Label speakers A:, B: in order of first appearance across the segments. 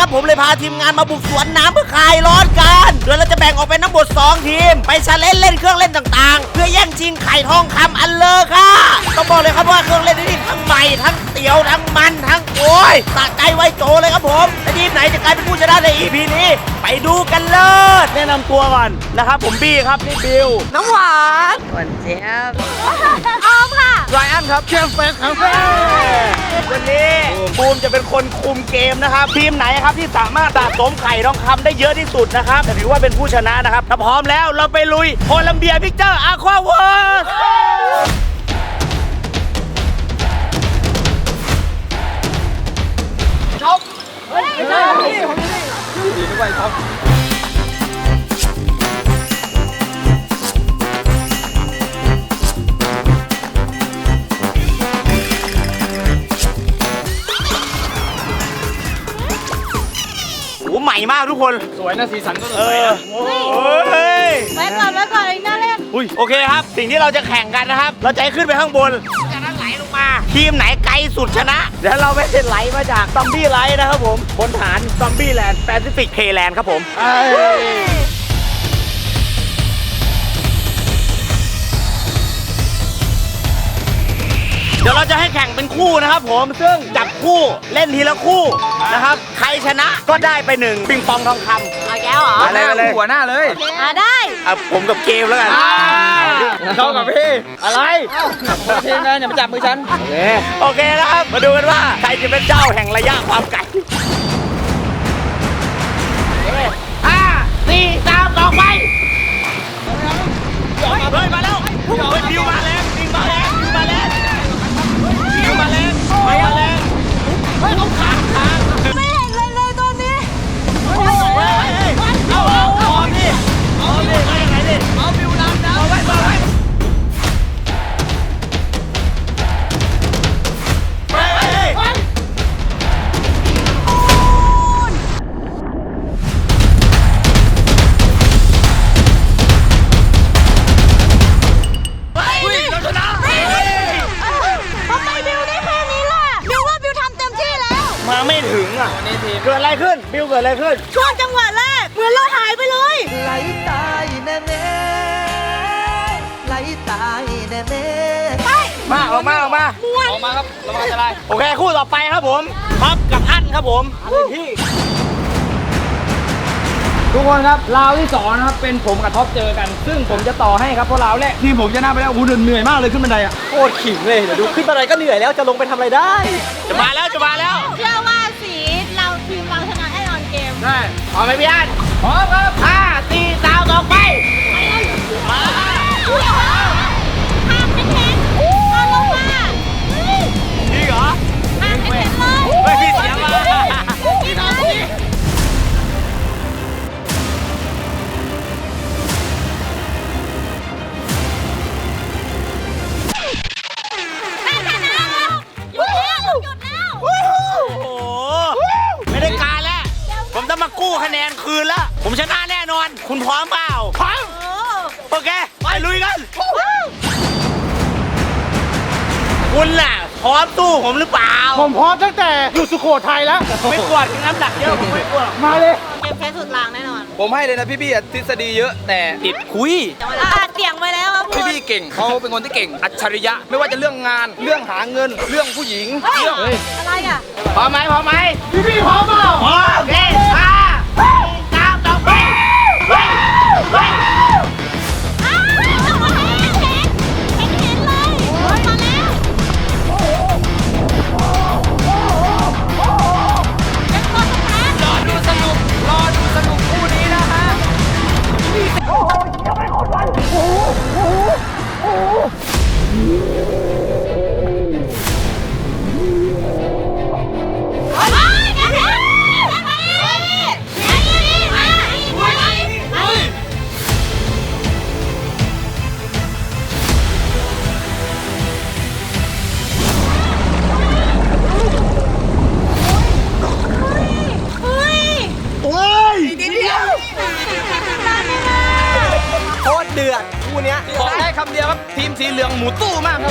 A: ครับผมเลยพาทีมงานมาบุกสวนน้ำเพื่อคลายร้อนกันโดยเราจะแบ่งออกเป็นทั้งหมด2ทีมไปชาเลนจ์เล่นเครื่องเล่นต่างๆเพื่อแย่งชิงไข่ทองคำอันเลอค่ะต้องบอกเลยครับว่าเครื่องเล่นนี่ทั้งใหม่ทั้งเตี๋ยวทั้งมันทั้งโอ้ยสะใจไวโจเลยครับผมและทีมไหนจะกลายเป็นผู้ชนะใน EP นี้ไปดูกันเลยแนะนำตัวก่อนนะครับผมบี้ครับนี่บิวน้ำหวานหวานเจี๊ยบออมค่ะไรอันครับเชฟเฟสครับวันนี้บูมจะเป็นคนคุมเกมนะครับทีมไหนครับที่สามารถสะสมไข่ทองคำได้เยอะที่สุดนะครับถือว่าเป็นผู้ชนะนะครับถ้าพร้อมแล้วเราไปลุยโคลัมเบียพิกเจอร์อะควาเวิร์สช็อปไม่ใช่ดีไม่ไหวช็อปใหม่มากทุกคน
B: สวยนะสีสันก็สวยนะ
C: ไว้ก่อนอีกน่าเล่น
A: โอเคครับสิ่งที่เราจะแข่งกันนะครับเราจะขึ้นไปข้างบนจากนั้นไหลลงมาทีมไหนไกลสุดชนะเดี๋ยวเราไม่ได้ไหลมาจากซอมบี้ไลท์นะครับผมบนฐานซอมบี้แลนด์แปซิฟิกเพลแลนด์ครับผมเดี๋ยวเราจะให้แข่งเป็นคู่นะครับผมซึ่งจับคู่เล่นทีละคู่นะครับใครชนะก็ได้ไป1ปิงปองทองคำ
C: เอาแก้วเหรอ
B: อะไรเลยหัวหน้าเลย
C: ได้
A: ผมกับเกมแล้วกัน
B: เข้ากับพี่อะไรทีมงานอย่ามาจับมือฉัน
A: โอเคนะครับมาดูกันว่าใครจะเป็นเจ้าแห่งระยะความไกล5 4 3 2ไปเฮ้ยมาแล้วดิวมาแล้วดิวมาแล้วดิวมาแล้วเฮ้ยเขาขาด
C: ไม่เห็นเลยตอนนี้
A: เอาดิไปยังไงดิเอาบิวน้ำเอาไว้มาไม่ถึงอ่ะเกิดอะไรขึ้นบิวเกิดอะไรขึ้น
C: ช่วงจังหวะแรกเหมือนเราหายไปเลย
D: ไหลตายแน่ไหลตายแน่
C: ไป
A: มาออกมา
B: ครับระวังจะได้
A: โอเคคู่ต่อไปครับผมท็อปกับอั้นครับผมพี่
B: ทุกคนครับราวที่2นะครับเป็นผมกับท็อปเจอกันซึ่งผมจะต่อให้ครับเพราะราวแรกทีมผมชนะไปแล้วเหนื่อยมากเลยขึ้นบันไดอ่ะ
A: โคตรขิงเลยเดี๋ยวดูขึ้นบันไดก็เหนื่อยแล้วจะลงไปทำอะไรได้จะมาแล้ว
C: เชื่อว่าสีเราทีมเราชนะแน่นอนเกม
B: ได้
A: พร้อมไหมพี่อั้น
B: พร้อมครับ
A: 5 4 3 2ไป
C: ห้ามเป็นเห็นตอนลงมา
A: จริงเหรอ
C: ห้ามเป็นเห็นเลย
A: ไม่พี่เสียมาไม่ได้การแล้วผมต้องมากู้คะแนนคืนแล้วผมชนะแน่นอนคุณพร้อมเปล่าพร้อมโอเคไปลุยกันคุณล่ะพร้อมตู้ผมหรือเปล่า
B: ผมพร้อมตั้งแต่อยู่สุโขทัยแล้ว
A: ไม่กวดน้ำหนักเยอะผมไม่กวด
B: มาเลย
C: เกมแพ้สุดรางแน่นอน
B: ผมให้เลยนะพี่ทฤษฎีเยอะแต่ติดคุย
C: เตียงไว้แล้วครับ
B: พี่เก่งเขาเป็นคนที่เก่งอัจฉริยะไม่ว่าจะเรื่องงานเรื่องหาเงินเรื่องผู้หญิงเรื่อง
C: อะไรอ่ะ
A: พร้อมไหมพี่พร้อมเปล่าพร้อมโอเคตามต่อไป
B: บอกได้คำเดียวครับทีมสีเหลืองหมูตู้มากครับ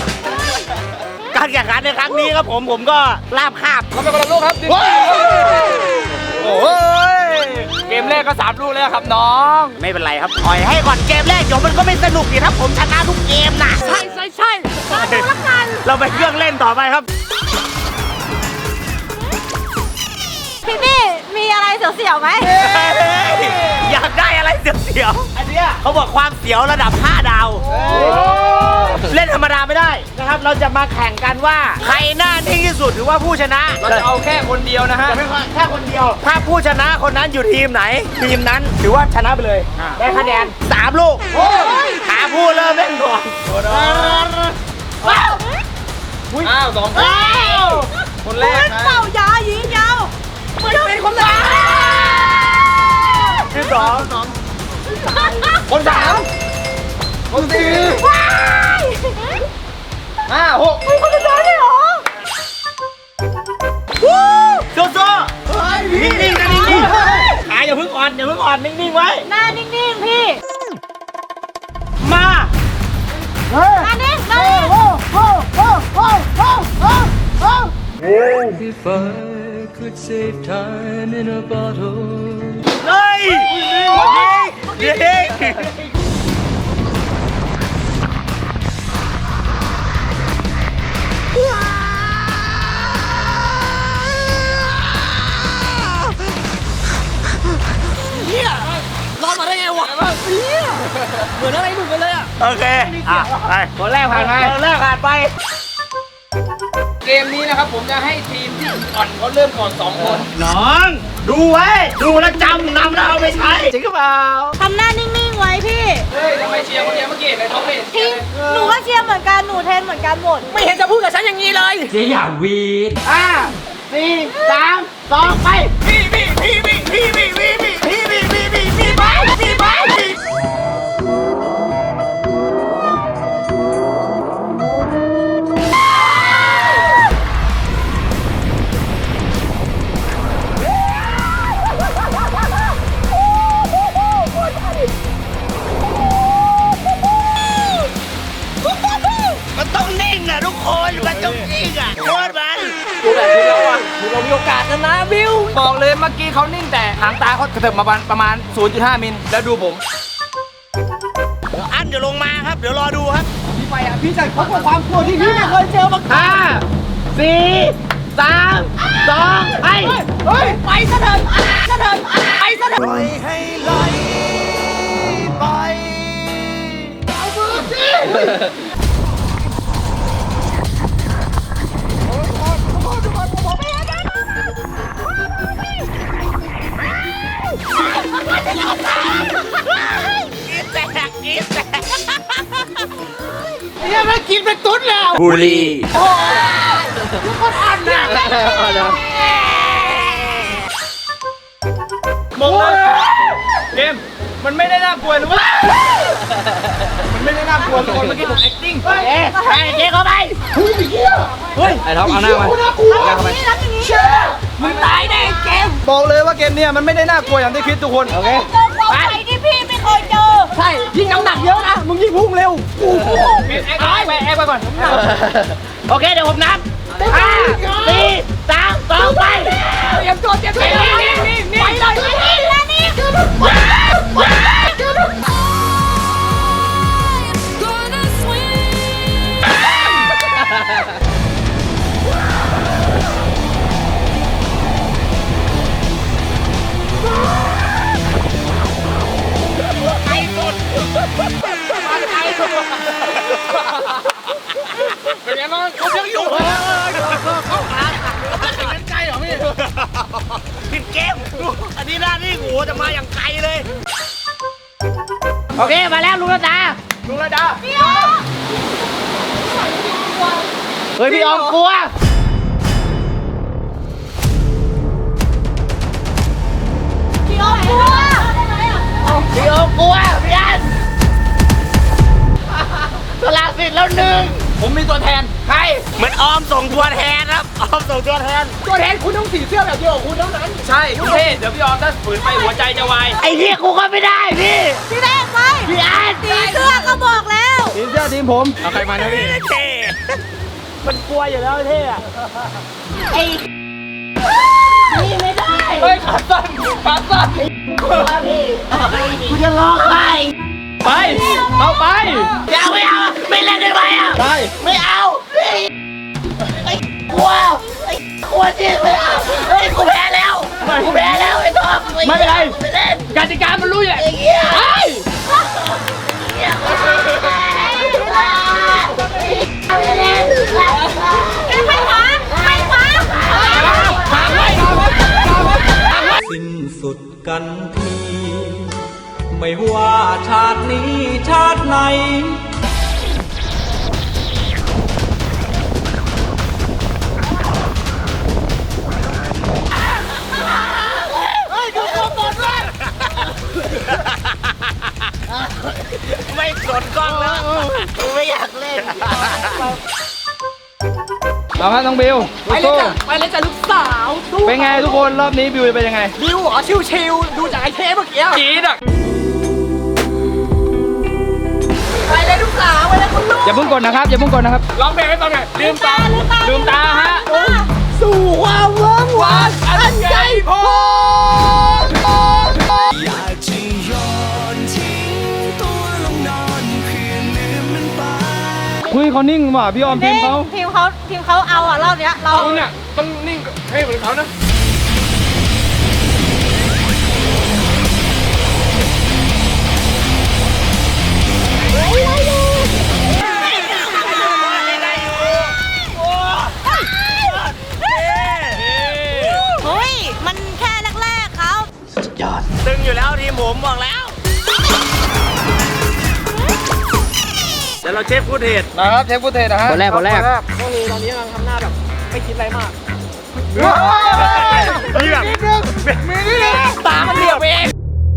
A: การแข่งขันในครั้งนี้ครับผมก็ลาบคาบ
B: เราไปบอลโลกครับโอ้ยเกมแรกก็3 ลูกแล้วครับน้อง
A: ไม่เป็นไรครับปล่อยให้ก่อนเกมแรกเดี๋ยวมันก็ไม่สนุกดีถ้าผมชนะทุกเกมนะใช่เราไปเครื่องเล่นต่อไปครับ
C: พี่พี่มีอะไรเสียวๆไหม
A: อยากได้อะไรเสียวๆอันเนี้ยเขาบอกความเสียวระดับ 5 ดาว เล่นธรรมดาไม่ได้นะครับ เราจะมาแข่งกันว่าใครหน้านิ่งที่สุดถือว่าผู้ชนะ
B: เราจะเอาแค่คนเดียวนะฮะ
A: จะเป็นแค่คนเดียว ถ้าผู้ชนะคนนั้นอยู่ทีมไหน ทีมนั้นถือว่าชนะไปเลย ได้คะแนน 3 ลูกหาผู้เริ่มเล่นก่อน
B: อ้าว2 คนแรกนะ
C: เป่ายายิงยาวไม่เป็นคนแรก
A: ที่ 2
B: คน3 คน 4
C: ว้าย
B: 5 6
C: มีคนสุดท้ายเลยเหรอ
A: โซโซ่นิ่งๆนะนิ่งๆขาอย่าเพิ่งอ่อนนิ่งๆไว้
C: หน้านิ่งๆพี่
A: มา
C: หน้านิ่งหน้านิ่ง
D: If I could save time in a bottle
A: เฮ้ยยิงโอเคไป
B: คนแรกผ่านไป
A: คนแรกผ่านไป
B: เกมนี้นะครับผมจะให้ทีมที่อ่อนเขาเริ่มก่อน2 คน
A: น้อง ดูไว้ ดูแล้วจำนำแล้วเอาไปใช้จริงหรือเปล่า
C: ทำหน้านิ่งๆไว้พี่
B: เฮ้ยทำไมเชียร์คนเดียวเมื่อกี้ในท้องไม่เห็นเชีย
C: ทิ้ง
B: ร์เลย
C: หนูก็เชียร์เหมือนกัน หนูเทรนเหมือนกันหมด
B: ไม่เห็นจะพูดกับฉันอย่างนี้เลย
A: 4 3 2 ไปพี่มันต้องนิ่งอ่ะทุกคนมันต้องนิ่งอ่ะโคตรมัน
B: ดูแบบนี้แล้วอ่ะเรามีโอกาสชนะบิวบอกเลยเมื่อกี้เขานิ่งแต่หางตาเขากระเถิบมาประมาณ 0.5 มิลแล้วดูผม
A: อันเดี๋ยวลงมาครับ เดี๋ยวรอดูครับ
B: พี่ไปอ่ะพี่จะพบกับความกลัวที่พี่ไม่เคยเจอมาก่อน
A: 5 4 3 2 ไป
B: เฮ้ยไปซะเถอะไปซะเถอะ
D: ปล่อยให้ไหลไป
A: เนี่ยมันกินเป็นตุ๊ดแล้วบุรี
B: มองเลยเกมมันไม่ได้น่ากลัวนะเว้ยมันไม่ได้น่ากลัวทุกคนเมื่อกี้ผม acting
A: ไปเจ๊เข้าไป
B: เฮ้ยไอ้ท็อปเอาหน้ามาเอาหน้าเข้าไป
C: นี่รับอย่างนี้
B: มึงตายแน่เกมบอกเลยว่าเกมเนี้ยมันไม่ได้น่ากลัวอย่างที่คิดทุกคนโอเค
C: เจอความใหญ่ที่พี่ไม่เคยเจอ
B: ใช่ยิ่งน้ำหนักเยอะนะมึงยิ่งพุ่งเร็วแอกไปก่อน
A: โอเค เดี๋ยวผมนับ 5 4 3 2 ไป
B: เตรียมตัวนี่ไปเลย
C: แล้วนี่
B: เป็นไงบ้างเขายังอยู่เข้าขาเป็นนั้นใจเหรอพี่
A: ผิดเกม อันนี้หน้าที่หูจะมาอย่างไกลเลย โอเค มาแล้วลุงระดา
B: ลุงระดา
A: เฮ้ย พี่ออมกลัว
C: พี่อ้อมกลัว
A: พี่ออมกลัว พี่อันสละสิทธิ์แล้วหนึ่ง
B: ผมมีตัวแทนใคร
A: เหมือนออมส่งตัวแทนครับ ออมส่งตัวแทน
B: ตัวแทนคุณต้องสีเสื้อแบบเดียวกับคุณเท่านั้นใช่คุณเท่เดี๋ยวพี่ออมถ้าฝืนไปหัวใจจะวาย
A: ไอ้เหี้ยกูก็ไม่ได้พี่
C: พี่แรกไป
A: พี่อัน
C: สีเสื้อก็บอกแล้ว
B: ทีมเสื้อทีมผมเอาใครมานะพี่
A: เท่มันกลัวอยู่แล้วเท่อะ
C: นี่ไม่ได้
B: ฮ้ยขาสั้นขาสั้น
A: กูจะร้องไห้
B: ไปเอาไป
A: อย่าไม่เอาไม่เล่นได้ไหมอ่ะ
B: ได้
A: ไม่เอาไอ้กลัวไอ้กลัวจริงไม่เอาเฮ้ยกูแพ้แล้วกูแพ้แล้วไอ้ทอม
B: ไม่เป็นไร
A: ไม่เล่น
B: กติกามันรู้อยู่แหละ
A: ไอ้เหี้ย
B: ไป
A: ไม่เล่น
C: ไม่ขวางไม่ขวาง
B: ทางไว้
D: สิ้นสุดกันทีไม่ว่าชาตินี้ชาติไหน
A: ไม่สนกล้องแล้วกูไม่อยากเล่น
B: เอาครับน้องบิว
E: ไปเลยจ้ะไปเลยจ้ะลูกสาวสู้
B: เป็นไงทุกคนรอบนี้บิวจะเป็นยังไง
E: บิวเหรอชิวๆดูจากไอ้เทปเมื่อกี้
B: กีดอ่ะ
E: ไปเลยลูกสาวไปเลยคุณลูก
B: อย่าเพิ่งกดนะครับอย่าเพิ่งกดนะครับร้องเพลงให้ฟังหน่อยลืมตาลืมตาฮะ
E: สู่ความเวิ้งว้างอันใหญ่พอ
D: อยากจะย้อนทิ้งตัวลงนอนเพื่อลืมมันไป
B: เฮ้ยเขานิ่งว่ะพี่ออมทีมเขา
C: ทีมเขาเอาอ่ะรอบเนี้ยเรา
B: เขาเนี่ยต้องนิ่งให้เหมือนเขานะ
C: เฮ้ยมันแค่แรกๆเขา
A: ตึงอยู่แล้วทีมผมบอกแล้ว เดี๋ยวเราเช็คฟุตเทจ
B: นะครับเทปฟุตเทจนะฮะคนแรก
E: ก็คือตอนนี้กำลังทำหน้าแบบไม่คิดอะไรมาก
A: นี่แบบ
E: ตามันเหลือกไปเอง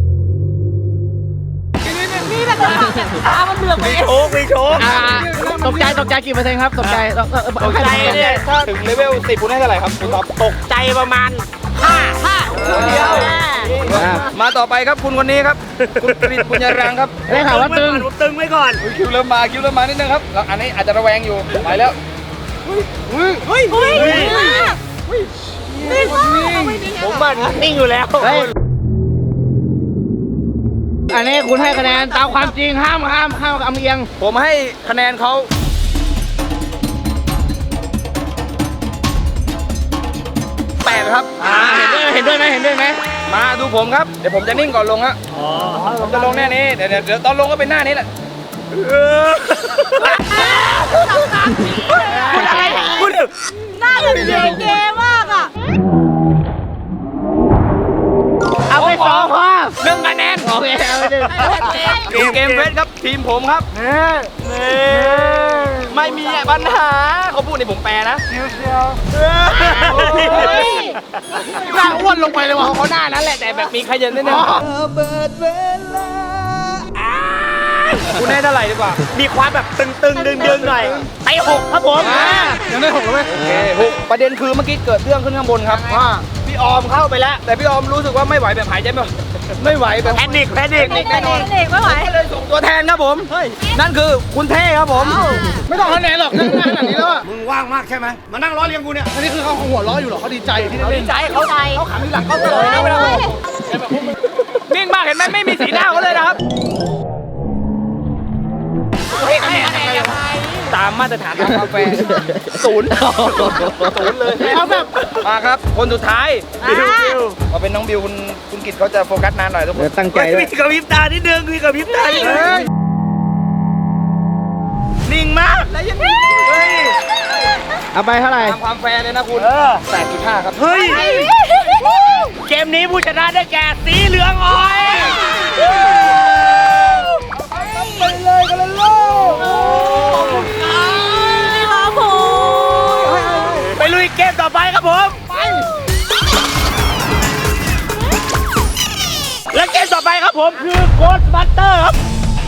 C: นี่แบบ
E: ตามันเหลือกไปเอง
A: โอ้มีโชว์
B: ตกใจกี่เปอร์เซ็นต์ครับตกใจ
A: ตกใจเนี่ย
B: ถ้าถึงเลเวล10คุณให้เท่าไหร่ครับคุณตอบ
A: ตกใจประมาณ
E: เดียว
B: มาต่อไปครับคุณคนนี้ครับคุณกฤษบุญยรังครับได้ข่าวว่าตึง
A: ผมตึงไว้ก่อน
B: คิวเริ่มมานิดนึงครับแล้วอันนี้อาจจะระแวงอยู่ไปแล้ว
C: เฮ้ยนี่ว่า
A: ผมมันนิ่งอยู่แล้ว
B: อันนี้คุณให้คะแนนตามความจริงห้ามอำเอียง ผมให้คะแนนเขา8ครับเห็นด้วยไหมมาดูผมครับเดี๋ยวผมจะนิ่งก่อนลงฮะผมจะลงแน่นี้เดี๋ยวตอนลงก็เป็นหน้านี้แหละ
A: พูดถึง
C: หน้าแบบเก๋ๆมากอ่ะ
B: เอาไป2พอ1คะแนนโอเคเอาไป1เกมเฟสครับทีมผมครับไม่มีปัญหาเขาพูดในผมแปลนะหน้าอ้วนลงไปเลยว่ะเขาหน้านั้นแหละแต่แบบมีขยันนิดนึง
D: เปิดเวลา
B: คุณให้เท่าไหร่ดีกว่า
A: มีความแบบตึงๆดึงๆหน่อยไป6ครับผม
B: ยังได้6แล้วไหมโอเค6ประเด็นคือเมื่อกี้เกิดเรื่องขึ้นข้างบนครับว่าพี่ออมเข้าไปแล้ว แต่พี่ออมรู้สึกว่าไม่ไหวแบบหายใจไม่ไหวแบบ
A: แพนิค
C: แน่นอนไม่ไหว
B: ก็เลยส่งตัวแทนครับผมนั่นคือคุณเท่ครับผม ไม่ต้องคะแนนหรอกนั่งขนาดนี้แล้ว
F: มึงว่างมากใช่ไหมมานั่งล้อเลียงกูเนี่ย
B: อันนี้คือเขาหัวล้ออยู่หรอเขาดีใจที่ได้เล่น
E: ใจเขา
C: ใจ
E: ขามีหลังเขาเลยนะเวลา
B: นิ่งมากเห็นไหมไม่มีสีหน้าเขาเลยนะครับตามมาตรฐานของกาแฟศูนย์เลยเอาแบบมาครับคนสุดท้าย
A: บิว
B: พอเป็นน้องบิวคุณกิตเขาจะโฟกัสนานหน่อยทุกคนตั้งใจ
A: มีกระพริบตานิดนึงมีกระพริบตานิดนึงนิ่งมากเฮ้ย
B: เอาไปเท่าไหร่ตามความแฟร์เลยนะคุณ8.5ครับ
A: เฮ้ยเกมนี้ผู้ชนะได้แก่สีเหลืองอ้อยไปเลยกันเลยลูก
C: ครับผม
A: ไปลุยเกมต่อไปครับผมและเกมต่อไปครับผมคือโค้ดบัตเตอร์ครับ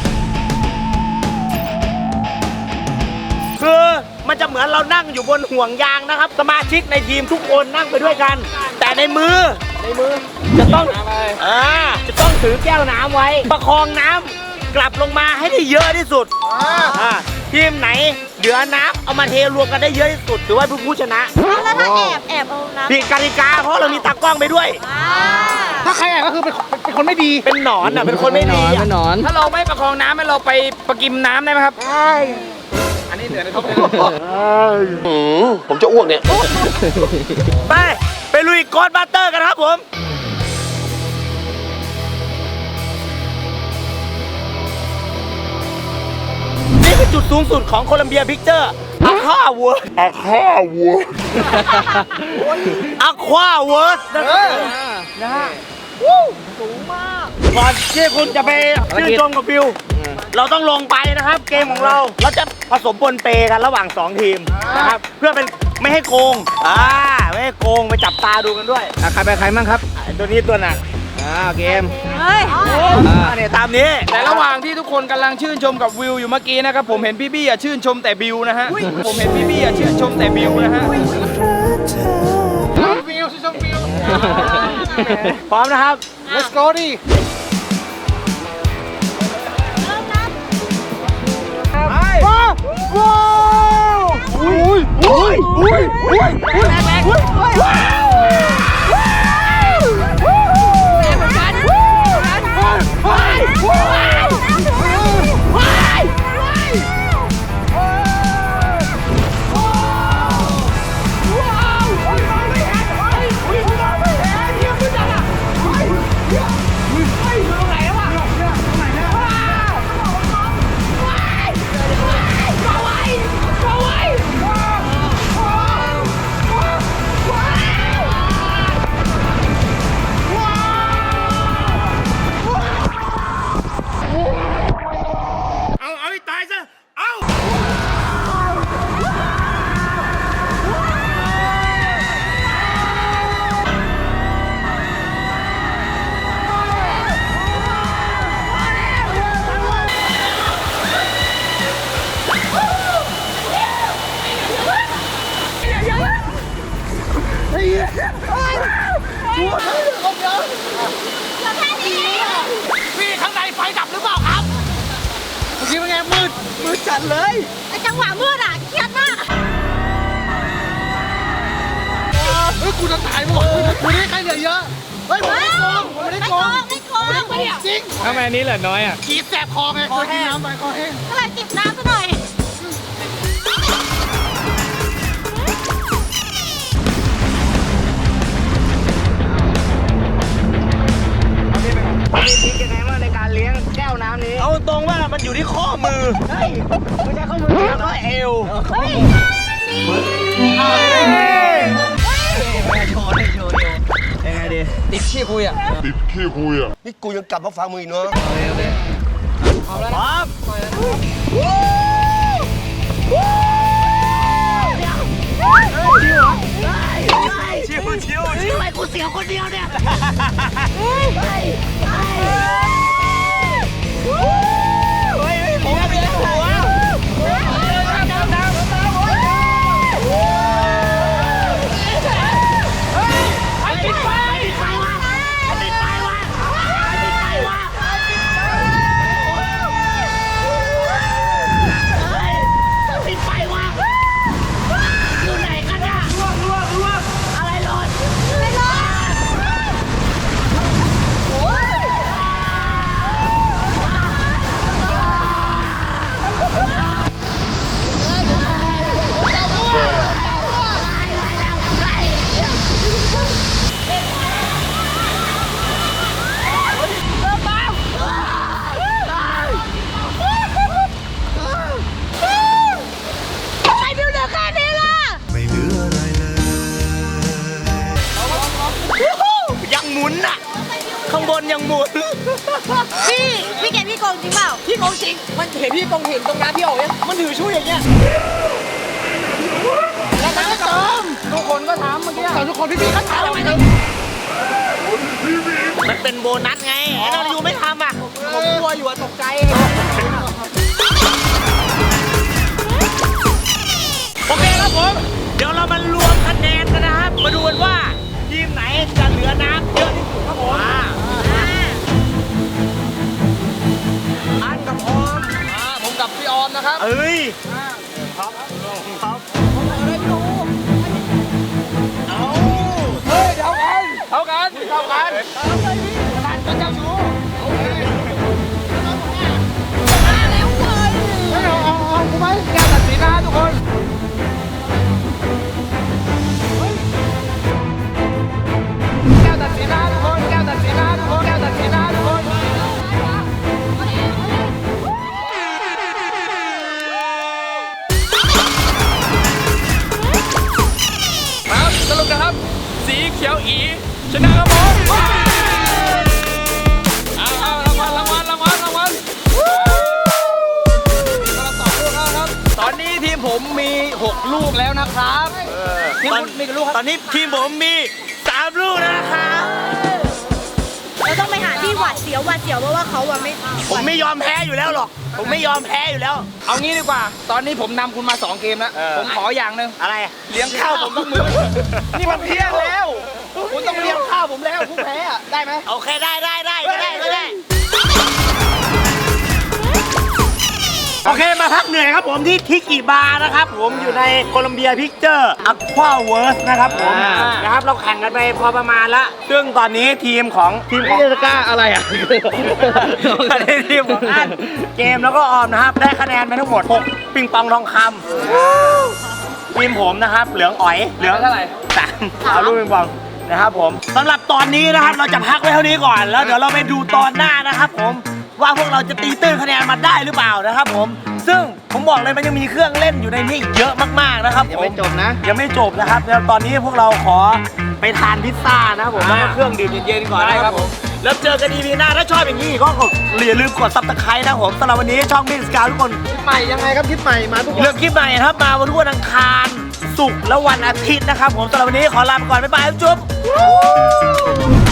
A: คือมันจะเหมือนเรานั่งอยู่บนห่วงยางนะครับ สมาชิกในทีมทุกคนนั่งไปด้วยกัน แต่ในมือจะต้องจะต้องถือแก้วน้ำไว้ ประคองน้ำกลับลงมาให้ได้เยอะที่สุดทีมไหนเหลือน้ำเอามาเทรวมกันได้เยอะที่สุดถือว่าเป็นผู้ชนะ
C: แล้วถ้าแอบเอาน้ำ
A: ผิดกติกาเพราะเรามีตากล้องไปด้วย
F: ถ้าใครอ่ะก็คือเป็นคนไม่ดี
A: เป็นหนอนอ่ะเป็นคนไม่ดี
E: เป็นหนอน
B: ถ้าเราไม่ประคองน้ำให้เราไปประกิมน้ำได้ไหมครับใช่อันนี้เหลือในท้อง
F: ผมจะอ้วกเนี่ย
A: ไปลุยกอดบัตเตอร์กันครับผมนี่คือจุดสูงสุดของโคลัมเบียพิกเจอร์อะควาเวิร์ดอะควาเวิร์ดนะฮะสูงมากก่อนที่คุณจะไปชื่นชมกับบิวเราต้องลงไปนะครับ เกมของเราจะผสมปนเปกันระหว่าง2ทีมนะครับเพื่อเป็นไม่ให้โกงไม่ให้โกงไปจับตาดูกันด้วย
B: ใครไปใครมั่งครับ
A: ไอ้ตัวนี้ตัวหนัก
B: เกม
C: เฮ้ย
A: เนี่ยตามนี้
B: แต่ระหว่างที่ทุกคนกำลังชื่นชมกับวิวอยู่เมื่อกี้นะครับผมเห็นพี่บี้อ่ะชื่นชมแต่บิวนะฮะผมเห็นพี่บี้อ่ะชื่นชมแต่บิวนะฮะ
A: พร้อมนะครับ
F: let's go ดิ
A: เอาให้ตายซะ เอา
F: พี่ข้างในไฟดับหรือเปล่าครับเมื่อกี้เป็นไงมืดจัดเลย
C: ไอ้จังหวะมืดอ่ะเครียดมาก
F: เฮ้ยกูจะตายหมดกูนี่ใครเหลือเยอะเฮ้ยผมไม่โกงผมไม่ได้โกง
C: ไม่โกง
F: จริง
B: ทำไมอันนี้เหลือน้อยอ่ะ
F: กีดแสบคอไงเคยกินน้ำไปคอแห้ง
C: ก็เลยจิบน้ำซะหน่อย
B: มีทริคยังไงว่าในการเลี้ยงแก้วน้ำนี้
A: เอาตรงว่ามันอยู่ที่ข้อมือ
B: ไม่ใช่ข้อมือ
A: แล้วก็เอว
C: เฮ้ย
B: ยังไงดีติดขี้คุยอ่ะ
F: นี่กูยังกลับมาฟังมึงอีกเนาะ
A: พร้อมชิวชิวชิวไอ้กูเสียวคนเดียวเนี่ยเฮ้ยผมไม่ได้หัว
C: ใครบิวเหลือแค่นี้ล่ะ
A: ยังหมุนอ่ะ ข้างบนยังหมุน
C: พี่เกดพี่โกงจริงเปล่า
E: พี่โกงจริง มันเห็นพี่ตรงเห็นตรงน้ำพี่ออกเนี่ยมันถือช่วยอย่างเงี้ยแล้วมันก็เติม
B: ทุกคนก็ทำเมื่อกี้
E: แต่ทุกคนพี่ๆเขาถามทำไมถึง
A: มันเป็นโบนัสไงไอ้เราอยู่ไม่ทำอ่ะ
E: ผมกลัวอยู่อะตกใจ
A: โอเคครับผม เดี๋ยวเรามารวมคะแนนกันนะครับ มาดูกันว่า ทีมไหนจะเหลือน้ำเยอะที่สุดครับผมอันกับออม
B: ผมกับพี่ออมนะครับ
A: เอ้ย
B: พร้อมเจ้าชู้โอเค
F: เอากูไหม
B: แก้วตัดสินนะทุกคนแก้วตัดสินนะทุกคนแก้วตัดสินนะทุกคนแก้วตัดสินนะทุกคนครับสรุปนะครับสีเขียวอีชนะครับผมเอารางวัลตอนนี้ทีมผมมี 6 ลูกแล้วนะครับทีมคุณมีกี่ลูกครับ
A: ตอนนี้ทีมผมมี3 ลูกแล้วนะครับ
C: เราต้องไปหาที่หวาดเสียวเพราะว่าเขาอะไม่
A: ผมไม่ยอมแพ้อยู่แล้วหรอก ผมไม่ยอมแพ้อยู่แล้ว
B: เอางี้ดีกว่า ตอนนี้ผมนำคุณมา 2 เกมแล้ว ผมขออย่างหนึ่ง
A: อะไร
B: เลี้ยงข้าวผมต้องมือ นี่มันเที่ยงแล้ว คุณต้องเลี้ยงข้าวผมแล้วผู้แพ้อะได้ไหม
A: โอเคได้ก็ได้โอเคมาพักเหนื่อยครับผมที่ทิกิบาร์นะครับผมอยู่ในโคลัมเบียพิกเจอร์อัควาเวิร์สนะครับผมนะครับเราแข่งกันไปพอประมาณละซึ่งตอนนี้ทีมของ
F: เทศกาอะไรอ่ะ
A: ทีมของอันเกมแล้วก็ออมนะครับได้คะแนนไปทั้งหมด6ปิงปองทองคำทีมผมนะครับเหลืองอ๋อยเหลือง
B: เท่าไหร่
A: 3เอาลูกปิงปองนะครับผมสำหรับตอนนี้นะครับเราจะพักไว้เท่านี้ก่อนแล้วเดี๋ยวเราไปดูตอนหน้านะครับผมว่าพวกเราจะตีตื้นคะแนนมาได้หรือเปล่านะครับผมซึ่งผมบอกเลยมันยังมีเครื่องเล่นอยู่ในนี้เยอะมากๆนะครับ
F: ยังไม่จบนะ
A: ยังไม่จบนะครับแล้วตอนนี้พวกเราขอไปทานพิซซ่านะครับผมแล้วก็เครื่องดื่มเย็นๆก่อนนะครับผมแล้วเจอกันอีพีหน้าถ้าชอบอย่างนี้ก็อย่าลืมกดซับสไครต์นะครับผมสำหรับวันนี้ช่องมินสกาวทุกคน
F: ใหม่ยังไงครับคลิปใหม่มาทุกวัน
A: เลือกคลิปใหม่นะครับมาวันทุกวันอังคารศุกร์และวันอาทิตย์นะครับผมสำหรับวันนี้ขอลาไปก่อนบ๊ายบายจุ๊บ